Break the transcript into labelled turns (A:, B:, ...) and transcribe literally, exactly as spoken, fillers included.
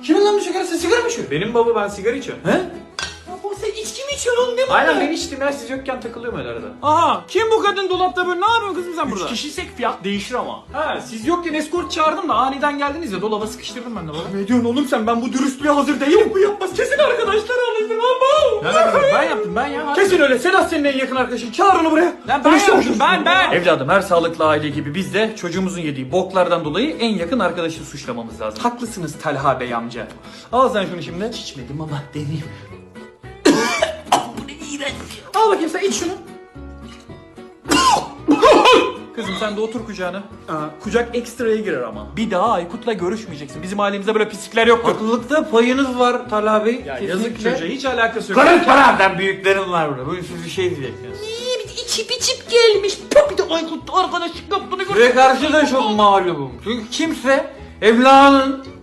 A: Kimin lan bu sigara? Sen sigara mı içiyorsun?
B: Benim baba, ben sigara içiyorum.
A: He? Ya bu sen içki mi içiyorsun oğlum? Ne bu?
B: Aynen ben içtim ya, siz yokken takılıyorum öyle arada.
A: Aha, kim bu kadın dolapta böyle? Ne yapıyorsun kızım sen burada?
B: Üç kişiysek fiyat değişir ama.
A: Ha, siz yokken eskort çağırdım da aniden geldiniz ya, dolaba sıkıştırdım ben de baba. Ne diyorsun oğlum sen? Ben bu dürüstlüğe hazır değilim. Bu yapmaz. Kesin arkadaşlar alıştır lan.
B: Ne yapayım? Ben yaptım ben ya.
A: Kesin öyle. Sedat senin en yakın arkadaşın. Çağır onu buraya.
B: Lan ben
A: Konuşalım
B: yaptım,
A: şunu.
B: ben ben. Evladım, her sağlıklı aile gibi biz de çocuğumuzun yediği boklardan dolayı en yakın arkadaşı suçlamamız lazım.
A: Haklısınız Talha Bey amca.
B: Al sen şunu şimdi.
A: İçmedim ama deneyeyim. Bu ne iğrenç. Al bakayım sen iç şunu.
B: Kızım sen de otur kucağına.
A: Aa, kucak ekstraya girer ama.
B: Bir daha Aykut'la görüşmeyeceksin. Bizim ailemizde böyle pislikler yoktur.
A: Haklılıkta payınız var Talha Bey.
B: Ya yazık çocuğa, hiç alakası yok.
A: Karın paramdan büyüklerim var burada. Bugün siz bir şey diyeceksiniz.
C: İyi bir de içip içip gelmiş. Pop bir de Aykut arkadaşlık yaptığını gör.
A: Ve karşı da çok mağlubum. Çünkü kimse evladının